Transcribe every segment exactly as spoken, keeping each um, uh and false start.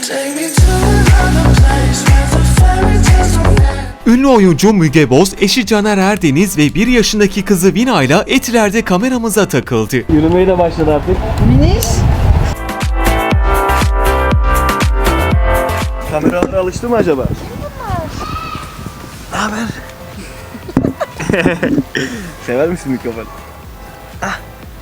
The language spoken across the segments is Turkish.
Ünlü oyuncu Müge Boz, eşi Caner Erdeniz ve bir yaşındaki kızı Vina ile Etiler'de kameramıza takıldı. Yürümeye de başladı artık. Miniş. Kameralara alıştı mı acaba? Ne haber? Sever misin mikrofonu? Ah.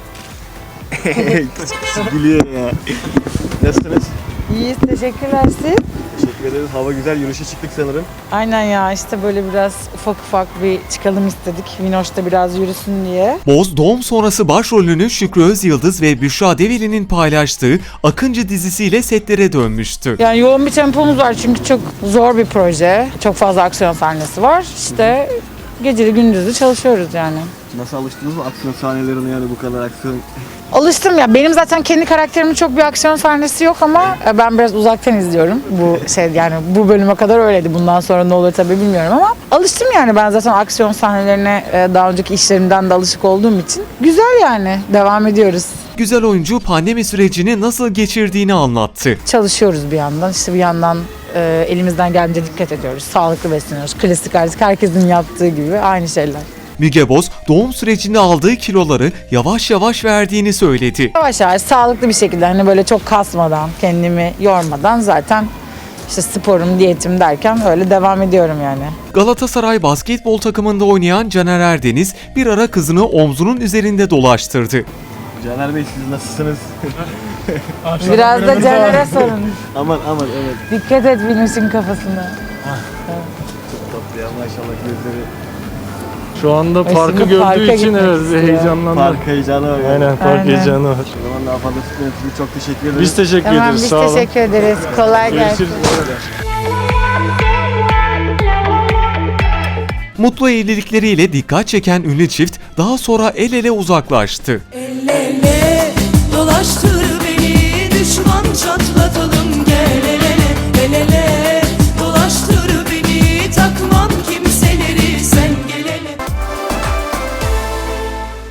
Gülüyor ya. Nasılsınız? İyiyiz, teşekkürler siz. Teşekkür ederiz. Hava güzel. Yürüyüşe çıktık sanırım. Aynen ya, işte böyle biraz ufak ufak bir çıkalım istedik. Vinoş da biraz yürüsün diye. Boz, doğum sonrası başrolünü Şükrü Özyıldız ve Büşra Develi'nin paylaştığı Akıncı dizisiyle setlere dönmüştü. Yani yoğun bir tempomuz var çünkü çok zor bir proje. Çok fazla aksiyon sahnesi var. İşte geceli gündüzlü çalışıyoruz yani. Nasıl alıştınız mı aksiyon sahnelerine, yani bu kadar aksiyon? Alıştım ya. Benim zaten kendi karakterimin çok bir aksiyon sahnesi yok ama ben biraz uzaktan izliyorum. Bu şey yani bu bölüme kadar öyleydi. Bundan sonra ne olur tabii bilmiyorum ama alıştım yani. Ben zaten aksiyon sahnelerine daha önceki işlerimden de alışık olduğum için güzel yani. Devam ediyoruz. Güzel oyuncu pandemi sürecini nasıl geçirdiğini anlattı. Çalışıyoruz bir yandan. İşte bir yandan e, elimizden gelince dikkat ediyoruz. Sağlıklı besleniyoruz. Klasik artık herkesin yaptığı gibi aynı şeyler. Müge Boz, doğum sürecinde aldığı kiloları yavaş yavaş verdiğini söyledi. Yavaş yavaş sağlıklı bir şekilde hani böyle çok kasmadan, kendimi yormadan zaten işte sporum, diyetim derken öyle devam ediyorum yani. Galatasaray basketbol takımında oynayan Caner Erdeniz bir ara kızını omzunun üzerinde dolaştırdı. Caner Bey, siz nasılsınız? Biraz da Caner'e sorun. Aman aman, evet. Dikkat et Vinus'un kafasına. Çok tatlı ya, maşallah gözleri. Şu anda Ay, parkı şimdi gördüğü parka için gitmek evet istiyor. heyecanlandı. Park heyecanı var. Aynen, park Aynen. heyecanı var. O zaman daha fazla tutmayın sizi, çok teşekkür ederiz. Biz teşekkür Tamam ederiz. biz Sağ olun. teşekkür ederiz. Kolay gelsin. Görüşürüz. Mutlu evlilikleriyle dikkat çeken ünlü çift daha sonra el ele uzaklaştı. El ele